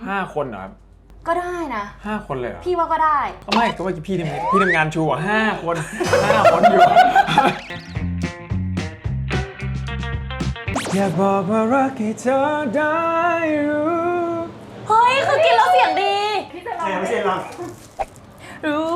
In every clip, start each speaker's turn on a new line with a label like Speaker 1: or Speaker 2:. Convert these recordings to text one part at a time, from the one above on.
Speaker 1: 5 คนเหรอครับ
Speaker 2: ก็ได้นะ
Speaker 1: 5 คนเลยเหรอ
Speaker 2: พี่ว่าก็ได้
Speaker 1: ก็ไม่ก็ว่าพี่ทำงานชูอ่ะ5 คน5 คนอยู่อยากบอกว่ารักให้เธอได้รู้
Speaker 2: เฮ้ยคือกินแล้วเสียงดี
Speaker 3: พี่จะลองไม่ใช่ลอง
Speaker 2: รู้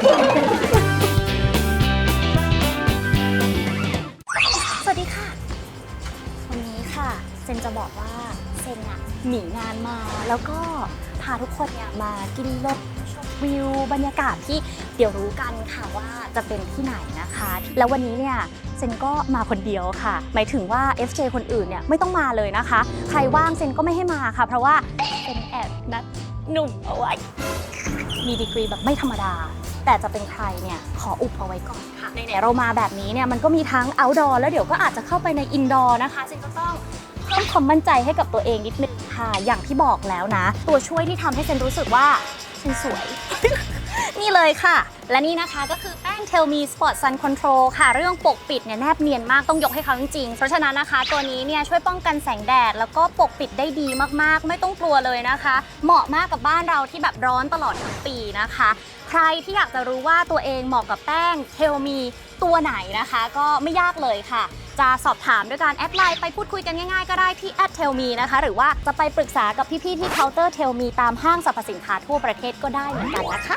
Speaker 2: สวัสดีค่ะวันนี้ค่ะเซนจะบอกว่าเซนอะหนีงานมาแล้วก็พาทุกคนเนี่ยมากินรถชมวิวบรรยากาศที่เดี๋ยวรู้กันค่ะว่าจะเป็นที่ไหนนะคะแล้ววันนี้เนี่ยเซนก็มาคนเดียวค่ะหมายถึงว่า FJ คนอื่นเนี่ยไม่ต้องมาเลยนะคะใครว่างเซนก็ไม่ให้มาค่ะเพราะว่าเซนแอบนัดหนุ่มเอาไว้มีดีกรีแบบไม่ธรรมดาแต่จะเป็นใครเนี่ยขออุบเอาไว้ก่อนค่ะไหนๆเรามาแบบนี้เนี่ยมันก็มีทั้ง outdoor แล้วเดี๋ยวก็อาจจะเข้าไปใน indoor นะคะเซนก็ต้องเพิ่มความมั่นใจให้กับตัวเองนิดนึงค่ะอย่างที่บอกแล้วนะตัวช่วยที่ทำให้เซนรู้สึกว่าเซนสวย นี่เลยค่ะและนี่นะคะก็คือแป้ง Tell Me Spot Sun Control ค่ะเรื่องปกปิดเนี่ยแนบเนียนมากต้องยกให้เขาจริงๆเพราะฉะนั้นนะคะตัวนี้เนี่ยช่วยป้องกันแสงแดดแล้วก็ปกปิดได้ดีมากๆไม่ต้องกลัวเลยนะคะเหมาะมากกับบ้านเราที่แบบร้อนตลอดทั้งปีนะคะใครที่อยากจะรู้ว่าตัวเองเหมาะกับแป้ง Tell Me ตัวไหนนะคะก็ไม่ยากเลยค่ะจะสอบถามด้วยการแอดไลน์ไปพูดคุยกันง่ายๆก็ได้ที่ @tellme นะคะหรือว่าจะไปปรึกษากับพี่ๆที่เคาน์เตอร์ Tellme ตามห้างสรรพสินค้าทั่วประเทศก็ได้เหมือนกันนะคะ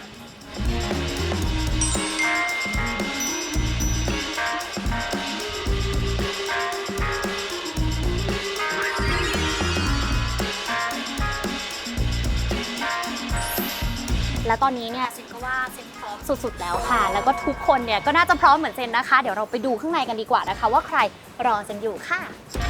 Speaker 2: และตอนนี้เนี่ยเซนก็ว่าเซนพร้อมสุดๆแล้วค่ะแล้วก็ทุกคนเนี่ยก็น่าจะพร้อมเหมือนเซนนะคะเดี๋ยวเราไปดูข้างในกันดีกว่านะคะว่าใครรอเซนอยู่ค่ะ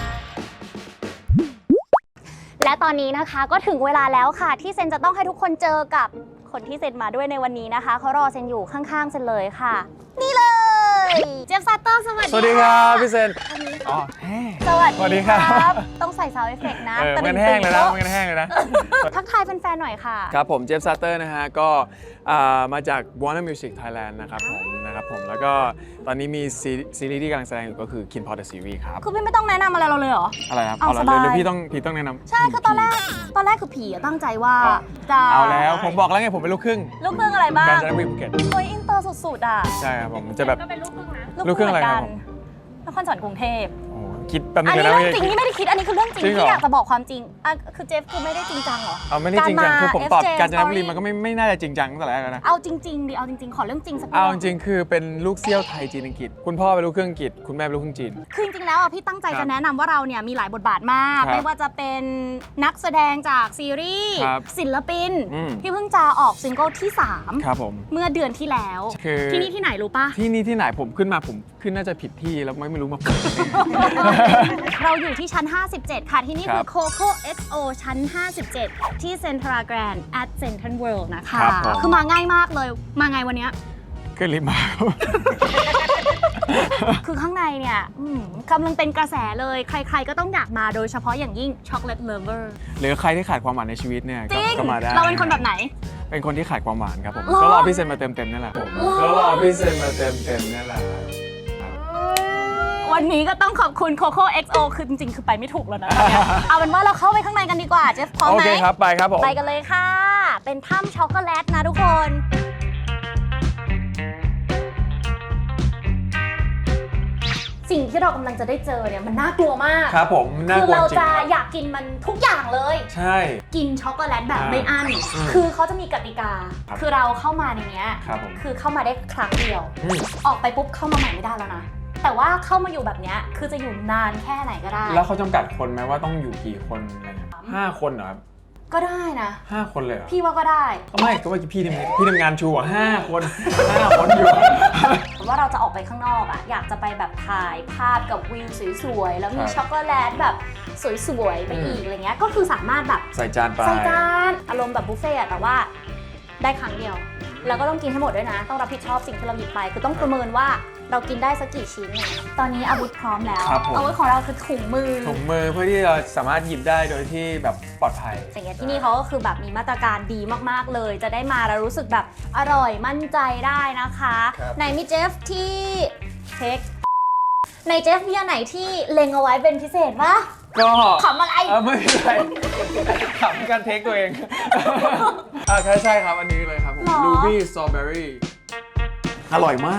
Speaker 2: และตอนนี้นะคะก็ถึงเวลาแล้วค่ะที่เซนจะต้องให้ทุกคนเจอกับคนที่เซนมาด้วยในวันนี้นะคะเขารอเซนอยู่ข้างๆเซนเลยค่ะนี่เลยเจฟซัตเตอร์สวัสดี
Speaker 1: สวัสดีครับพี่เซนอ๋อ
Speaker 2: สวัสดีครับต้องใส่ซาวด์เอฟเฟกต์นะ
Speaker 1: มันแห้งเลยนะมันแห้งเลยนะ
Speaker 2: ทักทายแฟนๆหน่อยค่ะ
Speaker 1: ครับผมเจฟซัตเตอร์นะฮะก็มาจาก Warner Music Thailand นะครับผมแล้วก็ตอนนี้มีซีรีส์ที่กำลังแสดงอยู่ก็คือ Kin Pod The Series ครับ
Speaker 2: คือพี่ไม่ต้องแนะนำอะไรเราเลยเหรอ
Speaker 1: อะไรครับเอาละเลยพี่ต้องแนะนำ
Speaker 2: ใช่คือตอนแรกคือผีตั้งใจว่าจะ
Speaker 1: เอาแล้วผมบอกแล้วไงผมเป็นลูกครึ่ง
Speaker 2: อะไรบ้าง
Speaker 1: กาญจนบุรีภูเก็ต
Speaker 2: โอ้ยอินเตอร์สุดๆอ่ะ
Speaker 1: ใช่ครับผมจะแบบ
Speaker 2: ก็เป็นลูกครึ่งนะ
Speaker 1: ลูกครึ่งอะไรครับผม
Speaker 2: นครสวรรค์กรุงเทพ
Speaker 1: คิดแป๊บนึงนะ
Speaker 2: อันนี้เรื่องจริงนี่ไม่ได้คิดอันนี้คือเรื่องจริงที่อยากจะบอกความจริงคือเจฟคือไม่ได้จริงจังหรอ
Speaker 1: ไม่ได้จริงจังคือผมตอบกาญจนบุรีมันก็ไม่น่าจะจริงจังตั้งแต่แรกแล้วนะ
Speaker 2: เอาจริงๆดิเอาจริงๆขอเรื่องจริงสัก
Speaker 1: เอาจริงคือเป็นลูกเซี่ยวไทยจีนอังกฤษคุณพ่อเป็นลูกครึ่งอังกฤษคุณแม่เป็นลูกครึ่งจีน
Speaker 2: คือจริงๆแล้วพี่ตั้งใจจะแนะนำว่าเราเนี่ยมีหลายบทบาทมากไม่ว่าจะเป็นนักแสดงจากซีรีส์ศิลปินที่เพิ่งจะออกซิงเกิลที่3
Speaker 1: ครับผม
Speaker 2: เมื่อเดือนที่แล้วที่นี่ที่ไหนรู้ปะ
Speaker 1: ที่นี่ที่ไหนผมขึ้นน่าจะผิดที่แล้วไม่รู้มา
Speaker 2: เราอยู่ที่ชั้น57ค่ะที่นี่คือ Coco XO ชั้น57ที่ Central Grand at Central World นะคะคือมาง่ายมากเลยมาไงวันนี้
Speaker 1: ก็รีบมา
Speaker 2: คือข้างในเนี่ยกำลังเป็นกระแสเลยใครๆก็ต้องอยากมาโดยเฉพาะอย่างยิ่ง Chocolate Lover
Speaker 1: หรือใครที่ขาดความหวานในชีวิตเนี่ยก็มาได้
Speaker 2: เราเป็นคนแบบไหน
Speaker 1: เป็นคนที่ขาดความหวานครับผมก็รอพี่เซนมาเต็มนี่แหละผมก็รอพี่เซนมาเต็มนี่แหละ
Speaker 2: วันนี้ก็ต้องขอบคุณ Coco XO คือจริงๆคือไปไม่ถูกแล้วนะเอาเป็นว่าเราเข้าไปข้างในกันดีกว่าเจฟพร้อมไหม
Speaker 1: โอเคครับไปครับผม
Speaker 2: ไปกันเลยค่ะเป็นถ้ำช็อกโกแลตนะทุกคนสิ่งที่เรากำลังจะได้เจอเนี่ยมันน่ากลัวมาก
Speaker 1: ครับผม
Speaker 2: คือเราจะอยากกินมันทุกอย่างเลย
Speaker 1: ใช่
Speaker 2: กินช็อกโกแลตแบบไม่อั้นคือเขาจะมีกติกาคือเราเข้ามาในนี้คือเข้ามาได้ครั้งเดียวออกไปปุ๊บเข้ามาใหม่ไม่ได้แล้วนะแต่ว่าเข้ามาอยู่แบบนี้คือจะอยู่นานแค่ไหนก็ได้
Speaker 1: แล้วเขาจำกัดคนไหมว่าต้องอยู่กี่คนอะไรเงี้ย5 คนเหรอครับ
Speaker 2: ก็ได้นะ
Speaker 1: 5 คนเลยเหรอ
Speaker 2: พี่ว่าก็ได้
Speaker 1: ก็ไม่ก็ว่าพี่ทำงานชูอ่ะ5 คน5 คนอยู่
Speaker 2: ว่าเราจะออกไปข้างนอกอ่ะอยากจะไปแบบถ่ายภาพกับวิวสวยๆแล้วมีช็อกโกแลตแบบสวยๆไปอีกอะไรเงี้ยก็คือสามารถแบบ
Speaker 1: ใส่จานไป
Speaker 2: อารมณ์แบบบุฟเฟ่ต์แต่ว่าได้ครั้งเดียวแล้วก็ต้องกินให้หมดด้วยนะต้องรับผิดชอบสิ่งที่เราหยิบไปคือต้องประเมินว่าเรากินได้สักกี่ชิ้นตอนนี้อาวุธพร้อมแล้วอาวุธของเราคือถุงมือ
Speaker 1: เพื่อที่เราสามารถหยิบได้โดยที่แบบปลอดภัย
Speaker 2: อย่างเงี้ยที่นี่เขาก็คือแบบมีมาตรการดีมากๆเลยจะได้มาแล้วรู้สึกแบบอร่อยมั่นใจได้นะคะในมิเจฟที่เช็คในเจฟมีอันไหนที่เล็งเอาไว้เป็นพิเศษปะ
Speaker 1: ก็
Speaker 2: ขำอะไร
Speaker 1: ไม่เป็นไรขำการเทคตัวเองใช่ครับอันนี้เลยครับผม
Speaker 2: หรอ
Speaker 1: Ruby Strawberry อร่อยมาก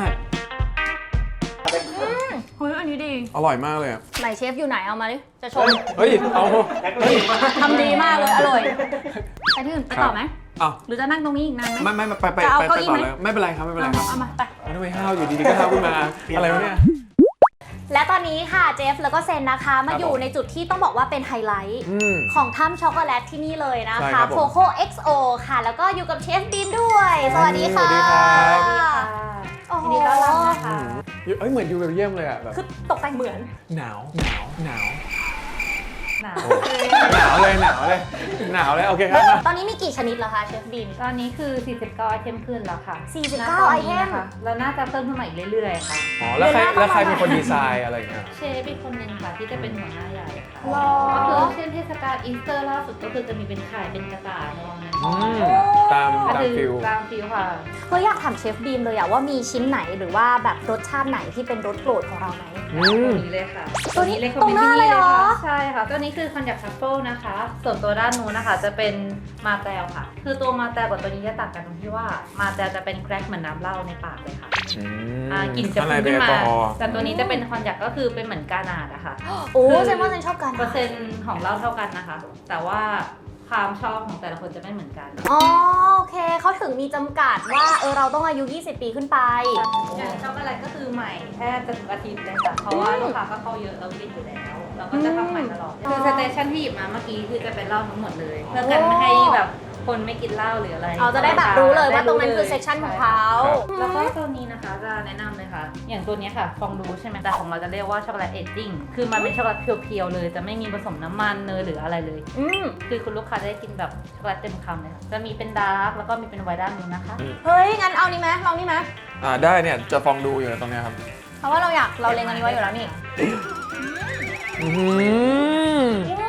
Speaker 2: เฮ้ยอันนี้ดี
Speaker 1: อร่อยมากเลยอะ
Speaker 2: ไหนเชฟอยู่ไหนเอามาดิจะชม
Speaker 1: เฮ้ยเอาเฮ้ย
Speaker 2: ทำดีมากเลยอร่อยไปที่อื่นไปต่อไหม
Speaker 1: อ้าว
Speaker 2: หรือจะนั่งตรงนี้อีกนานไหม
Speaker 1: ไม่ไป
Speaker 2: จะเอา
Speaker 1: ไป
Speaker 2: เก้าอี้
Speaker 1: ต่อ
Speaker 2: ไหม
Speaker 1: เลยไม่เป็นไรครับไม่เป็นไรครับ
Speaker 2: เอามาไป
Speaker 1: ทำไมห้าวอยู่ดีๆก็ห้าวขึ้นมาอะไรวะเนี่ย
Speaker 2: และตอนนี้ค่ะเจฟแล้วก็เซนนะคะมาอยู่ในจุดที่ต้องบอกว่าเป็นไฮไลท์
Speaker 1: อืม
Speaker 2: ของถ้ำช็อกโกแลตที่นี่เลยนะ
Speaker 1: ใช่ค
Speaker 2: คะ
Speaker 1: รับผม
Speaker 2: โคโค่ XO ค่ะ แล้วก็อยู่กับเชฟบีมด้วย สวัสดีค่ะ
Speaker 1: สวัสดีครับ
Speaker 2: โอ้โห
Speaker 3: ยินดีต้อนรับนะคะ
Speaker 1: เอ้ยเหมือนอยู่เบลเยียมเลยอะแบบ
Speaker 2: คือตกแต่งเหมือน
Speaker 1: หนาว
Speaker 3: หนาว
Speaker 1: โอ้หนาวเลยโอเคครับมา
Speaker 2: ตอนนี้มีกี่ชนิดแล้วคะเชฟบีม
Speaker 3: ตอนนี้คือ 49 ไอเทมขึ้นแล้วค่ะ
Speaker 2: 49
Speaker 3: ณตนนี้
Speaker 2: ไอเทม
Speaker 3: นะคะแล้วน่าจะเพิ่มขึ้นมาอีกเรื่อยๆค่ะ
Speaker 1: อ๋อแล้วใคร
Speaker 2: เดือนหน้า
Speaker 1: แล้วใคร
Speaker 2: ต้องมา
Speaker 1: เป็นคนดีไซน์อะไรอย่างเงี้ย
Speaker 3: เชฟอีกคนนึงค่ะที่จะเป็นหัวหน้าใหญ่ค่ะ
Speaker 2: หรอ
Speaker 3: ก็คือเช่นเทศกาลอีสเตอร์ล่าสุดก็คือจะมีเป็นไข่เป็นกระต่ายในวันนั้น
Speaker 1: อืมตาม
Speaker 3: ก็คือ
Speaker 1: ฟิล
Speaker 3: ตามฟิลค่ะ
Speaker 2: เฮ้ยอยากถามเชฟบีมเลยอะว่ามีชิ้นไหนหรือว่าแบบรสชาติไหนที่เป็นรสโปรดของเราไหม
Speaker 1: อื
Speaker 3: ตัว
Speaker 1: ม
Speaker 3: นี้เลยค่ะ
Speaker 2: ตัวนี้
Speaker 3: เลย
Speaker 2: ตรงหน้าเลยเหรอ
Speaker 3: ใช่ค่ะ ตัวนี้คือคอนยักทัฟเฟิลนะคะ ส่วนตัวด้านนู้นนะคะจะเป็นมาแตลค่ะ คือตัวมาแตลกับตัวนี้จะต่างกันตรงที่ว่ามาแตลจะเป็นแครกเหมือนน้ำเหล้าในปากเลยค่ะ กลิ่นจะ
Speaker 1: ข้างใน
Speaker 3: พุ่ง
Speaker 1: เป็น
Speaker 3: ขึ้น มา
Speaker 1: แอลกอฮอล์
Speaker 3: แต่ตัวนี้จะเป็นคอนยักก็คือเป็นเหมือนกานาดอะค่ะ
Speaker 2: โอ้
Speaker 3: คือ
Speaker 2: เซนว่าเซนชอบกัน
Speaker 3: เปอร์เซ็นต์ของเหล้าเท่ากันนะคะ แต่ว่าความชอบของแต่ละคนจะไม่เหมือนกัน
Speaker 2: อ๋อโอเคเขาถึงมีจำกัดว่าเราต้องอายุ 20 ปีขึ้นไป
Speaker 3: อย่างช็อกโกแลตก็คือใหม่แค่จะทุกอาทิตย์เลยค่ะ เพราะว่าลูกค้าก็เข้าเยอะเรากินอยู่แล้วเราก็จะทำใหม่ตลอด คือสเตชันที่หยิบมาเมื่อกี้คือจะเป็นเหล้าทั้งหมดเลย เพื่อกันไม่ให้แบบคนไม่กินเหล้าหรืออะไร
Speaker 2: เราจะได้แบบรู้เลยว่าตรงนั้นคือเซ
Speaker 3: ใช่
Speaker 2: สชันของเขา
Speaker 3: แล้วก็ตัวนี้นะคะจะแนะนำเลยค่ะ อย่างตัวนี้ค่ะฟองดูใช่ไหมแต่ของเราจะเรียกว่าช็อกโกแลตเอจจิ้งคือมันเป็นช็อกโกแลตเพียวๆเลย จะไม่มีผสมน้ำมันเนยหรืออะไรเลย
Speaker 2: อืม
Speaker 3: คือคุณลูกค้าจะได้กินแบบช็อกโกแลตเต็มคำเลยค่ะจะมีเป็นดาร์กแล้วก็มีเป็นไวท์ด้านนู้นนะคะ
Speaker 2: เฮ้ย งั้นเอานี่ไหมลองนี่ไหม
Speaker 1: ได้เนี่ยจะฟองดูอยู่ตรงเนี้ยครับ
Speaker 2: เพราะว่าเราเล็งอันนี้ไว้อยู่แล้วนี่
Speaker 1: อืม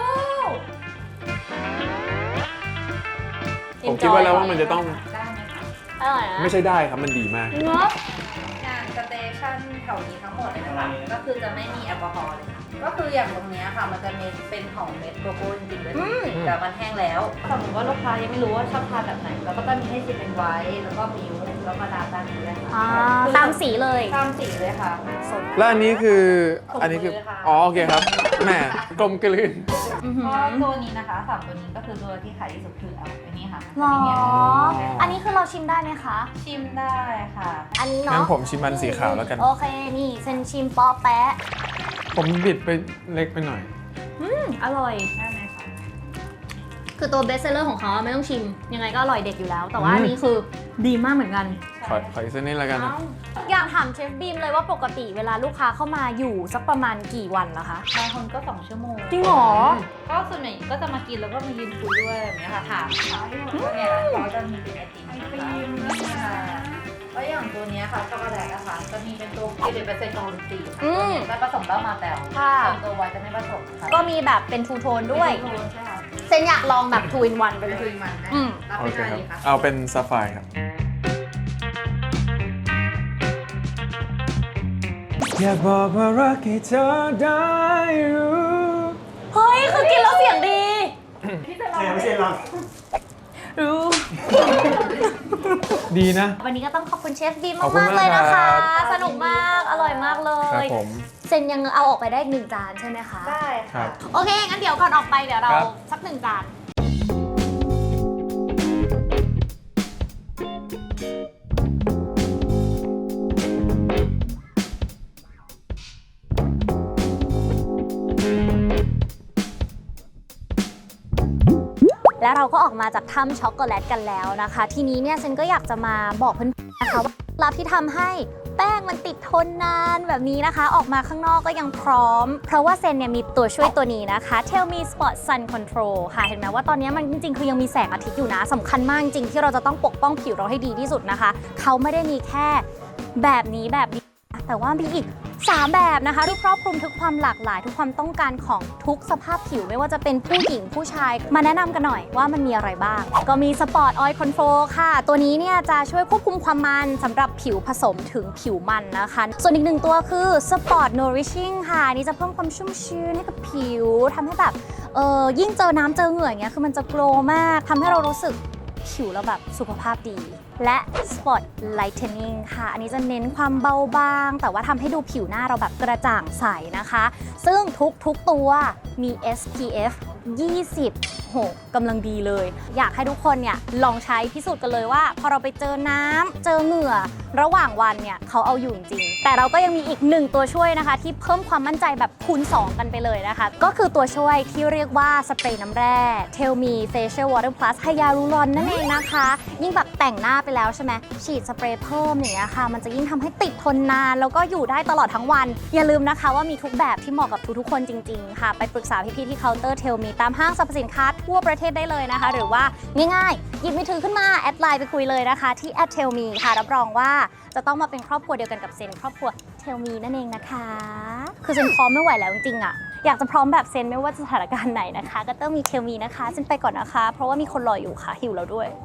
Speaker 1: ผมคิดว่าแล้วว่ามันจะต้อง
Speaker 3: ได้ไหมคะ
Speaker 2: อร่อยนะ
Speaker 1: ไม่ใช่ได้ครับมันดีมาก
Speaker 2: เนาะ
Speaker 3: งานสเตชันแถวนี้ทั้งหมดเลยนะคะก็คือจะไม่มีแอลกอฮอล์เลยค่ะก็คืออย่างตรงเนี้ยค่ะมันจะเป็นของเม็ดโกโก้จริงๆเลยแต่มันแห้งแล้วสมมติว่าลูกค้ายังไม่รู้ว่าชอบทานแบบไหนเราก็จะมีให้ชิมเป็นไวท์แล้วก็มิลค์แล้วก็ดาร์กด้านนี้เลยค่ะ
Speaker 2: อ่าตามสีเลย
Speaker 3: ตามสีเลยค่ะ
Speaker 1: แล้วอันนี้คือ
Speaker 3: ผม
Speaker 1: อันนี้คือ
Speaker 3: เลยค่ะ
Speaker 1: อ๋อโอเคครับแหมกลมกลืน
Speaker 3: เพราะตัวนี้นะคะสามตัวนี้ก็คือตัวที่ขายที่สุดคือเอาอันนี้ค่ะ
Speaker 2: หรอ
Speaker 3: ใช่
Speaker 2: อันนี้คือเราชิมได้ไหมคะ
Speaker 3: ชิมได้ค่ะ
Speaker 2: อันนี้
Speaker 1: งั้
Speaker 2: เนาะ
Speaker 1: นผมชิมมันสีขาวแล้วกัน
Speaker 2: โอเค นี่เซนชิมปอแปะ
Speaker 1: ผมบิดไปเล็กไปหน่อย
Speaker 2: อร่อย
Speaker 3: ได้ไหมคะ
Speaker 2: คือตัวเบสเซอร์ของเขาไม่ต้องชิม ยังไงก็อร่อยเด็ดอยู่แล้ว แต่ว่าอันนี้คือดีมากเหมือนกัน
Speaker 1: ขออีกสักนิดแล้วกันนะ
Speaker 2: อยากถามเชฟบีมเลยว่าปกติเวลาลูกค้าเข้ามาอยู่สักประมาณกี่วันละคะ
Speaker 3: บางคนก็2 ชั่วโมง
Speaker 2: จริงเหรอ
Speaker 3: ก็ส่วนใหญ่ก็จะมากินแล้วก็มายืนคุยด้วยแบบนี้ค่ะถามเนี่ยเขาจะมีเป็นไอติมค่ะแล้วอย่างตัวเนี้ยค่ะช็อกโกแลตนะคะจะมีเป็นตัว11%ของสีค่ะตัวเนี้ยจะผสมเหล้ามาแต่ว
Speaker 2: ค่ะ
Speaker 3: ส่วนตัวไวน์จะไม่ผสมค่ะ
Speaker 2: ก็มีแบบเป็นทูโทนด้วย
Speaker 3: เป็นโทนใช่ค่ะ
Speaker 2: เซนอยากลองแบบ2 in 1ไป
Speaker 3: เป็น
Speaker 2: เล
Speaker 3: คุ
Speaker 2: ย
Speaker 3: ยมันนะ
Speaker 2: อืม
Speaker 3: รับ
Speaker 1: โอ
Speaker 3: เป็น
Speaker 1: เค
Speaker 3: อะไร
Speaker 1: ครับ
Speaker 3: ดีคะ
Speaker 1: เอาเป็นซาไฟร์ครับ อยากบอกว่ารักให้เธอได้รู้
Speaker 2: เฮ้ย คือกินแล้วเสียงดี
Speaker 4: ไม่ใช่เรา
Speaker 2: รู้
Speaker 1: ดีนะ
Speaker 2: วันนี้ก็ต้องขอบคุณเชฟบีม
Speaker 1: ขอบคุณ
Speaker 2: มากๆเลยนะคะ
Speaker 1: มากครับ
Speaker 2: สนุกมาก อร่อยมากเล
Speaker 1: ครับ
Speaker 2: ย
Speaker 1: ผม
Speaker 2: เซนยังเอาออกไปได้อีก1 จานใช่ไหมคะ
Speaker 3: ได้
Speaker 1: ครั
Speaker 3: ค่ะ
Speaker 1: บ
Speaker 2: โอเค งั้นเดี๋ยวก่อนออกไปเดี๋ยวเรา
Speaker 1: ครับ
Speaker 2: สัก1 จาน แล้วเราก็ออกมาจากถ้ำช็อกโกแลตกันแล้วนะคะ ทีนี้เนี่ยเซนก็อยากจะมาบอกเพื่อนๆนะคะว่าเคล็ดลับที่ทำให้แป้งมันติดทนนานแบบนี้นะคะ ออกมาข้างนอกก็ยังพร้อม เพราะว่าเซนเนี่ยมีตัวช่วยตัวนี้นะคะ Tell Me Spot Sun Control ค่ะ เห็นไหมว่าตอนนี้มันจริงๆ คือยังมีแสงอาทิตย์อยู่นะสำคัญมากจริงๆที่เราจะต้องปกป้องผิวเราให้ดีที่สุดนะคะ เขาไม่ได้มีแค่แบบนี้แต่ว่ามีอีก 3 แบบนะคะที่ครอบคลุมทุกความหลากหลายทุกความต้องการของทุกสภาพผิวไม่ว่าจะเป็นผู้หญิงผู้ชายมาแนะนำกันหน่อยว่ามันมีอะไรบ้าง ก็มี Sport Oil Control ค่ะ ตัวนี้เนี่ยจะช่วยควบคุมความมันสำหรับผิวผสมถึงผิวมันนะคะ ส่วนอีกหนึ่งตัวคือ Sport Nourishing ค่ะอันนี่จะเพิ่มความชุ่มชื้นให้กับผิวทำให้แบบยิ่งเจอน้ำเจอเหงื่ออย่างเงี้ยคือมันจะโกลว์มากทำให้เรารู้สึกผิวเราแบบสุขภาพดี และ Spot Lightening ค่ะ อันนี้จะเน้นความเบาบาง แต่ว่าทำให้ดูผิวหน้าเราแบบกระจ่างใสนะคะ ซึ่งทุกตัวมี SPF 20 โหกำลังดีเลย อยากให้ทุกคนเนี่ยลองใช้พิสูจน์กันเลยว่า พอเราไปเจอน้ำเจอเหงื่อระหว่างวันเนี่ยเขาเอาอยู่จริง แต่เราก็ยังมีอีก1ตัวช่วยนะคะ ที่เพิ่มความมั่นใจแบบคูณ 2 กันไปเลยนะคะ ก็คือตัวช่วยที่เรียกว่าสเปรย์น้ำแร่ Tell Me Facial Water Plus Hyaluron นั่นเองนะคะ ยิ่งแบบแต่งหน้าไปแล้วใช่ไหมฉีดสเปรย์เพิ่มอย่างเงี้ยค่ะ มันจะยิ่งทำให้ติดทนนานแล้วก็อยู่ได้ตลอดทั้งวัน อย่าลืมนะคะว่ามีทุกแบบที่เหมาะกับทุกๆคนจริงๆค่ะไปปรึกษาพี่ๆที่เคาน์เตอร์ Tell Me ตามห้างสรรพสินค้าทั่วประเทศได้เลยนะคะ หรือว่าง่ายๆหยิบมือถือขึ้นมาแอดไลน์ไปคุยเลยนะคะที่ @tellme ค่ะรับรองว่าจะต้องมาเป็นครอบครัวเดียวกันกับเซนครอบครัว Tell Me นั่นเองนะคะคือเซนพร้อมไม่ไหวแล้วจริงๆอ่ะอยากจะพร้อมแบบเซนไม่ว่าสถานการณ์ไหนนะคะก็ต้องมี Tell Me นะคะเซนไปก่อนนะคะเพราะว่ามีคนรออยู่ค่ะหิวแล้วด้วย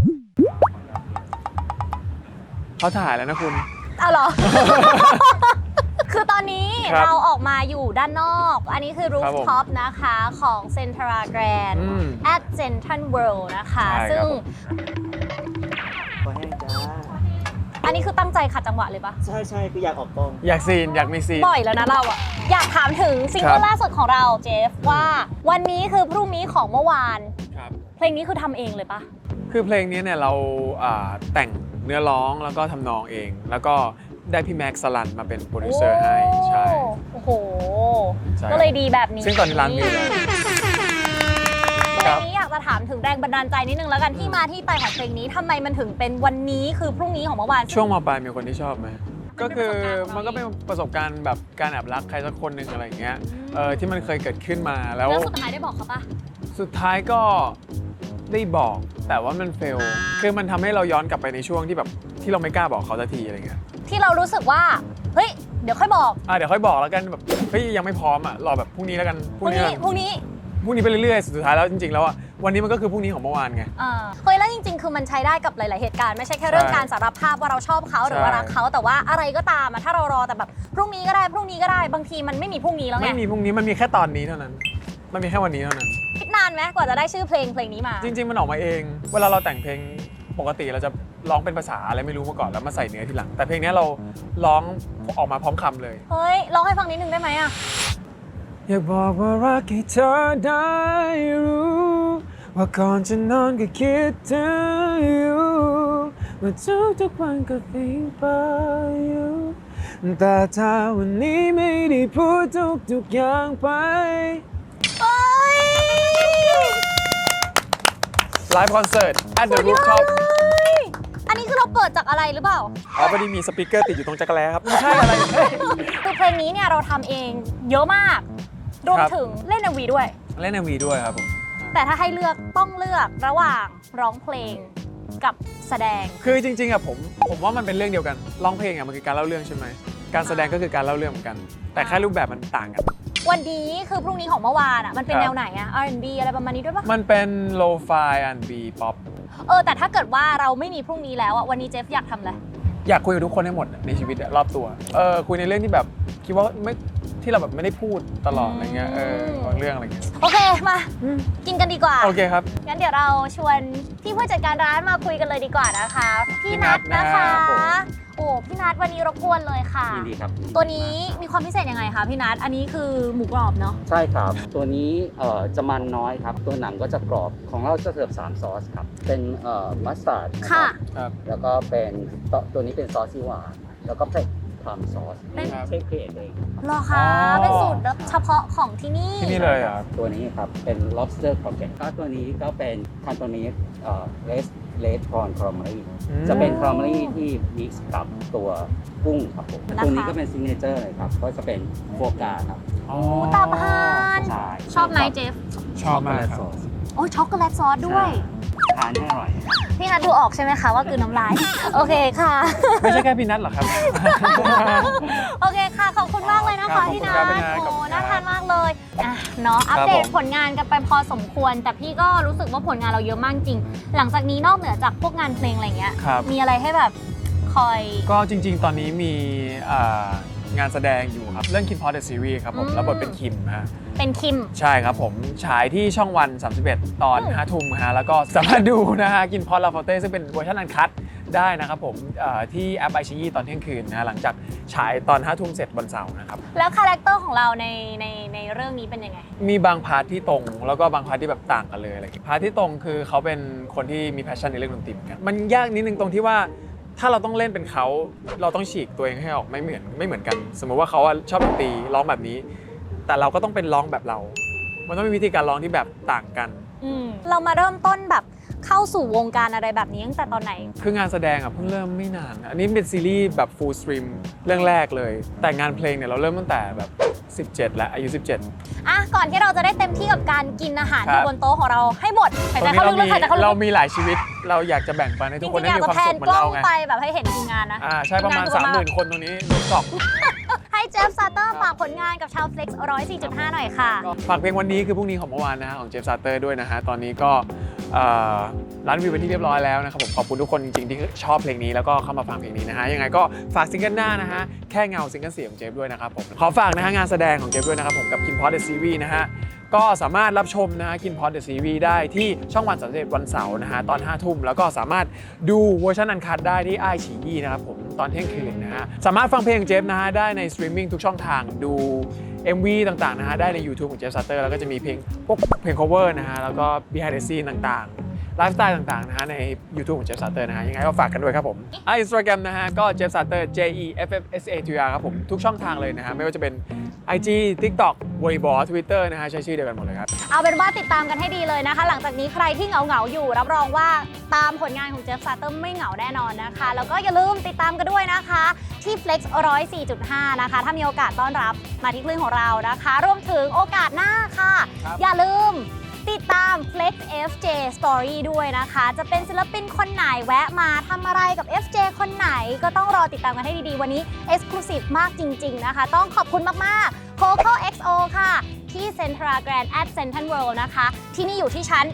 Speaker 1: เขาถ่ายแล้วนะคุณ
Speaker 2: เอาเหรอ คือตอนนี้
Speaker 1: ครับ
Speaker 2: เราออกมาอยู่ด้านนอก อันนี้คือรู
Speaker 1: ครั
Speaker 2: ฟ
Speaker 1: บผม
Speaker 2: ท็อปนะคะของ Centra Grand
Speaker 1: อืม
Speaker 2: at Central World นะคะ
Speaker 1: ใช่ครับ
Speaker 2: ซึ่ง
Speaker 4: ขอแห้งจ้า
Speaker 2: อันนี้คือตั้งใจขัดจังหวะเลยปะ
Speaker 4: ใช่ใช่คืออยากออกกล้อง
Speaker 1: อยากซีนอยากมีซีน
Speaker 2: บ่อยแล้วนะเราอะอยากถามถึงซิงเกิ
Speaker 1: ครั
Speaker 2: ล
Speaker 1: บ
Speaker 2: ล่าสุดของเราเจฟว่าวันนี้คือพรุ่งนี้ของเมื่อวาน
Speaker 1: ครับ
Speaker 2: เพลงนี้คือทำเองเลยปะ
Speaker 1: คือเพลงนี้เนี่ยเราแต่งเนื้อร้องแล้วก็ทำนองเอง แล้วก็ได้พี่แม็กซ์สลันมาเป็นโปรดิวเซอร์ให้ใช่
Speaker 2: โอ้โห
Speaker 1: ใช่
Speaker 2: ก็เลยดีแบบนี้
Speaker 1: ซึ่งตอนนี้ล้านวิวแล้ว
Speaker 2: เพลงนี้อยากจะถามถึงแรงบันดาลใจนิดนึงแล้วกันที่มาที่ไปของเพลงนี้ทำไมมันถึงเป็นวันนี้คือพรุ่งนี้ของเมื่อวาน
Speaker 1: ช่วงมปลายมีคนที่ชอบไหมก็คือมันก็เป็นประสบการณ์แบบการแอบรักใครสักคนหนึ่งอะไรอย่างเงี้ยที่มันเคยเกิดขึ้นมาแล้ว
Speaker 2: แล้วสุดท้ายได้บอกเขาปะ
Speaker 1: สุดท้ายก็ได้บอกแต่ว่ามันเฟลคือมันทำให้เราย้อนกลับไปในช่วงที่แบบที่เราไม่กล้าบอกเขาสักทีอะไรเงี้ย
Speaker 2: ที่เรารู้สึกว่าเฮ้ยเดี๋ยวค่อยบอก
Speaker 1: เดี๋ยวค่อยบอกแล้วกันแบบเฮ้ยยังไม่พร้อมอ่ะรอแบบพรุ่งนี้แล้วกัน
Speaker 2: พรุ่งนี้
Speaker 1: ไปเรื่อยๆสุดท้ายแล้วจริงๆแล้วอ่ะวันนี้มันก็คือพรุ่งนี้ของเมื่อวานไง
Speaker 2: เฮ้ยแล้วจริงๆ คือมันใช้ได้กับหลายๆเหตุการณ์ไม่ใช่แค่เรื่องการสารภาพว่าเราชอบเขาหรือว่ารักเขาแต่ว่าอะไรก็ตามอะถ้าเรารอแต่แบบพรุ่งนี้ก็ได้บางทีมันไม่มีพรุ่งนี้แล้วไง
Speaker 1: ไม่มีพรุ่งนี้มันมีแค่ตอนนี้เท่านั้นมันมีแค่วันนี้เท่านั้น
Speaker 2: คิดนานไหมกว่าจะได้ชื่อเพลงนี้มา
Speaker 1: จริงๆมันออกมาเอง เวลาเราแต่งเพลงปกติเราจะร้องเป็นภาษาอะไรไม่รู้มาก่อนแล้วมาใส่เนื้อทีหลังแต่เพลงนี้เราร้องออกมาพร้อมคำเลย
Speaker 2: เฮ้ยร้องให้ฟังนิดนึงได้ไหมอะ
Speaker 1: อยากบอกว่ารักให้เธอได้รู้ว่าก่อนจะนอนก็คิดถึงอยู่ว่าทุกวันก็think about you แต่ถ้าวันนี้ไม่ได้พูดทุกอย่างไป
Speaker 2: เฮ้ย
Speaker 1: ไลฟ์คอนเสิร์ต at the rooftop
Speaker 2: อันนี้คือเราเปิดจากอะไรหรือเปล่า
Speaker 1: พอดีมีสปีกเกอร์ติดอยู่ตรงจักรแล้ครับไม่ใช่อะไรเฮ้ย
Speaker 2: คือเพลงนี้เนี่ยเราทำเองเยอะมากรวม
Speaker 1: ครับ
Speaker 2: ถึงเล่น MV ด้วย
Speaker 1: เล่น MV ด้วยครับผม
Speaker 2: แต่ถ้าให้เลือกต้องเลือกระหว่างร้องเพลงกับแสดง
Speaker 1: คือจริงๆอะผมว่ามันเป็นเรื่องเดียวกันร้องเพลงอะมันคือการเล่าเรื่องใช่ไหมการแสดงก็คือการเล่าเรื่องเหมือนกัน แต่แค่รูปแบบมันต่างกัน
Speaker 2: วันนี้คือพรุ่งนี้ของเมื่อวานอ่ะมันเป็น
Speaker 1: ครับ
Speaker 2: แนวไหนอ่ะ R&B อะไรประมาณนี้ด้วยปะ
Speaker 1: มันเป็น lo-fi R&B pop
Speaker 2: แต่ถ้าเกิดว่าเราไม่มีพรุ่งนี้แล้วอ่ะวันนี้เจฟอยากทำอะไร
Speaker 1: อยากคุยกับทุกคนให้หมดในชีวิตอะรอบตัวคุยในเรื่องที่แบบคิดว่าไม่ที่เราแบบไม่ได้พูดตลอดอะไรเงี้ยบางเรื่องอะไรเงี้ย
Speaker 2: โอเคมากินกันดีกว่า
Speaker 1: โอเคครับ
Speaker 2: งั้นเดี๋ยวเราชวนพี่ผู้จัดการร้านมาคุยกันเลยดีกว่านะคะพี่นัทนะคะ
Speaker 1: พี่นัทนะครับผม
Speaker 2: โอ้พี่นัทวันนี้รบกวนเลยค่ะ
Speaker 5: ยินดีครับ
Speaker 2: ตัวนี้มีความพิเศษยังไงคะพี่นัทอันนี้คือหมูกรอบเนาะ
Speaker 5: ใช่ครับ ตัวนี้จะมันน้อยครับ ตัวหนังก็จะกรอบของเราจะเสิร์ฟ3ซอสครับ เป็นมัสตาร์ด
Speaker 2: ค่ะ
Speaker 1: ครับ
Speaker 5: แล้วก็เป็นตัวนี้เป็นซอสซีหวานแล้วก็เป็นพรัมซอส
Speaker 2: เป็น
Speaker 5: เชฟครีเอทเอง
Speaker 2: เหรอคะ
Speaker 1: อ๋อ
Speaker 2: เป็นสูตรเฉพาะของที่นี่
Speaker 1: ที่นี่เลยอะครับ
Speaker 5: ตัวนี้ครับ เป็น lobster croquette ก็ตัวนี้ก็เป็นคันตัวนี้เลดพรอนคอร์มารีจะเป็นคอร์มารีที่มิกซ์กับตัวกุ้งครับผมตัวนี้ก็เป็นซิกเนเจอร์เลยครับ ก็จะเป็นโฟกาครับ
Speaker 1: อ๋อ
Speaker 2: ตับห่าน
Speaker 5: ใช่
Speaker 2: ชอบไหมเจฟ
Speaker 1: ชอบมากครับ
Speaker 5: ซอส
Speaker 2: โอ้ยช็อกโกแลตซอสด้วย
Speaker 5: ทานให้อร่อยครับ
Speaker 2: พี่นัทดูออกใช่ไหมคะว่าคือน้ำลาย โอเคค่ะ
Speaker 1: ไม่ใช่แค่พี่นัทหรอกครับ
Speaker 2: โอเคค่ะ ขอบคุณมากเลยนะ
Speaker 1: ครั
Speaker 2: คะ
Speaker 1: บ
Speaker 2: พี่นั
Speaker 1: ขอบคุณครับพี่
Speaker 2: ท
Speaker 1: นัท
Speaker 2: โอ้
Speaker 1: ขอบคุณครับ
Speaker 2: น่าทานมากเลยอ่ะเนาะอัปเดต
Speaker 1: ผม
Speaker 2: ผลงานกันไปพอสมควร แต่พี่ก็รู้สึกว่าผลงานเราเยอะมากจริง หลังจากนี้นอกเหนือจากพวกงานเพลงอะไรเงี้ย
Speaker 1: ครับ
Speaker 2: มีอะไรให้แบบคอย
Speaker 1: ก็จริงๆ ตอนนี้มีงานแสดงอยู่ครับ เรื่อง Kim Pot The Series ครับผม
Speaker 2: อืม
Speaker 1: รับบทเป็นคิมฮะ
Speaker 2: เป็นคิม
Speaker 1: ใช่ครับผม ฉายที่ช่องวัน 31 ตอน 5 ทุ่มฮะ แล้วก็สามารถดูนะฮะ กินพอตลาฟอเต้ซึ่งเป็นเวอร์ชันอันคัตได้นะครับผมที่แอปไอชีตอนเที่ยงคืนนะฮะหลังจากฉายตอน 5 ทุ่มเสร็จวันเสาร์นะครับ
Speaker 2: แล้วคาแรคเตอร์ของเราในเรื่องนี้เป็นยังไง
Speaker 1: มีบางพาร์ทที่ตรงแล้วก็บางพาร์ทที่แบบต่างกันเลยอะไรอย่างเงี้ยพาร์ทที่ตรงคือเขาเป็นคนที่มีแพชชั่นในเรื่องดนตรีเหมือนกันมันยากนิดนึงตรงที่ว่าถ้าเราต้องเล่นเป็นเขาเราต้องฉีกตัวเองให้ออกไม่เหมือนกัน สมมติว่าเขาอะชอบดนตรีร้องแบบนี้ แต่เราก็ต้องเป็นร้องแบบเรา มันต้องมีวิธีการร้องที่แบบต่างกัน
Speaker 2: เรามาเริ่มต้นแบบเข้าสู่วงการอะไรแบบนี้ตั้งแต่ตอนไหน
Speaker 1: คืองานแสดงอะเพิ่งเริ่มไม่นานอันนี้เป็นซีรีส์แบบ full stream เรื่องแรกเลย แต่งานเพลงเนี่ยเราเริ่มตั้งแต่แบบ17แล้วอายุ 17
Speaker 2: อ่ะก่อนที่เราจะได้เต็มที่กับการกินอาหาร
Speaker 1: ครับ
Speaker 2: ที่บนโต๊ะของเราให้หมดหาย
Speaker 1: ต
Speaker 2: ใจ
Speaker 1: อนนี้
Speaker 2: เข้าลึกๆหายใจเข้าลึ
Speaker 1: เรา
Speaker 2: ก
Speaker 1: มีหลายชีวิตเราอยากจะแบ่งปันให้
Speaker 2: ๆจ
Speaker 1: ทุ
Speaker 2: ริ
Speaker 1: กคน
Speaker 2: งๆ
Speaker 1: ได้
Speaker 2: อยาก
Speaker 1: มี
Speaker 2: จะ
Speaker 1: ความ
Speaker 2: แพ
Speaker 1: สุ
Speaker 2: น
Speaker 1: ขเหมือก น
Speaker 2: ล้อ
Speaker 1: เรา
Speaker 2: ง
Speaker 1: ไง
Speaker 2: ไปแบบให้เห็นทีมงานนะ
Speaker 1: ใช่ประมาณ 30,000 คนตรงนี้ดูสอบ
Speaker 2: ให้เจฟซาเตอร์ฝากผลงานกับชาว Flex 104.5 หน่อยค่ะ
Speaker 1: ฝากเพลงวันนี้คือพรุ่งนี้ของเมื่อวานนะฮะของเจฟซาเตอร์ด้วยนะฮะตอนนี้ก็ร้านวิวเป็นที่เรียบร้อยแล้วนะครับผมขอบคุณทุกคนจริงๆที่ชอบเพลงนี้แล้วก็เข้ามาฟังเพลงนี้นะฮะยังไงก็ฝากซิงเกิลหน้านะฮะแค่เงาซิงเกิลเสียงของเจฟด้วยนะครับผมขอฝากนะฮะงานแสดงของเจฟด้วยนะครับผมกับ Kim Pot The Series นะฮะก็สามารถรับชมนะฮะ Kim Pot The Series ได้ที่ช่องวัน31วันเสาร์นะฮะตอน 5 ทุ่มแล้วก็สามารถดูเวอร์ชันอันคัตได้ที่ไอฉียี่นะครับผมตอนเที่ยงคืนนะฮะสามารถฟังเพลงเจฟนะฮะได้ในสตรีมมิ่งทุกช่องทางดู MV ต่างๆนะฮะได้ใน YouTube ของเจฟซัตเตอร์แล้วก็จะมีเพลงพวกเพลง cover นะฮะแล้วก็ behind the scene ต่างๆไลฟ์สไตล์ต่างๆนะฮะใน YouTube ของเจฟซัตเตอร์นะฮะยังไงก็ฝากกันด้วยครับผมInstagram นะฮะก็เจฟซัตเตอร์ JEFFSATR ครับผมทุกช่องทางเลยนะฮะไม่ว่าจะเป็น IG TikTok Weibo Twitter นะฮะใช้ชื่อเดียวกันหมดเลยครับ
Speaker 2: เอาเป็นว่าติดตามกันให้ดีเลยนะคะ หลังจากนี้ใครที่เหงาๆอยู่รับรองว่าตามผลงานของเจฟซาเตอร์ไม่เหงาแน่นอนนะคะ แล้วก็อย่าลืมติดตามกันด้วยนะคะที่ Flex 104.5 นะคะ ถ้ามีโอกาสต้อนรับมาที่คลื่นของเรานะคะรวมถึงโอกาสหน้าค่ะ
Speaker 1: ครับ
Speaker 2: อย่าลืมติดตาม Flex FJ Story ด้วยนะคะ จะเป็นศิลปินคนไหนแวะมาทำอะไรกับ FJ คนไหนก็ต้องรอติดตามกันให้ดีๆ วันนี้ Exclusive มากจริงๆนะคะ ต้องขอบคุณมากๆ Coco XO ค่ะ ที่ Central Grand at Central World นะคะ ที่นี่อยู่ที่ชั้น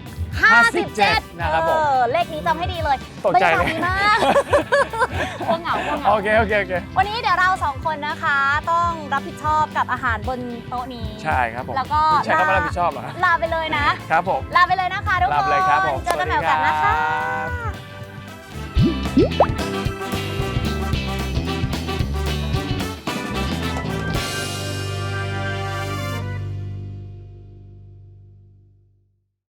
Speaker 2: 57
Speaker 1: นะครับผม
Speaker 2: เลขนี้จำให้ดีเลย
Speaker 1: ตกใจเลย
Speaker 2: บรรยากาศดีมาก พวกเหงา
Speaker 1: โอเค
Speaker 2: วันนี้เดี๋ยวเราสองคนนะคะ ต้องรับผิดชอบกับอาหารบนโต๊ะนี้
Speaker 1: ใช่ครับผม
Speaker 2: แล้วก็
Speaker 1: ใช้คำว่ารับผิดชอบเหรอฮะ
Speaker 2: ลาไปเลยนะ
Speaker 1: ครับผม
Speaker 2: ลาไปเลยนะคะทุก
Speaker 1: ลา
Speaker 2: ค
Speaker 1: ไปเลยครับผม
Speaker 2: นเจอกันใหม่โอกาสหนะคะ
Speaker 1: สวัสดีครับ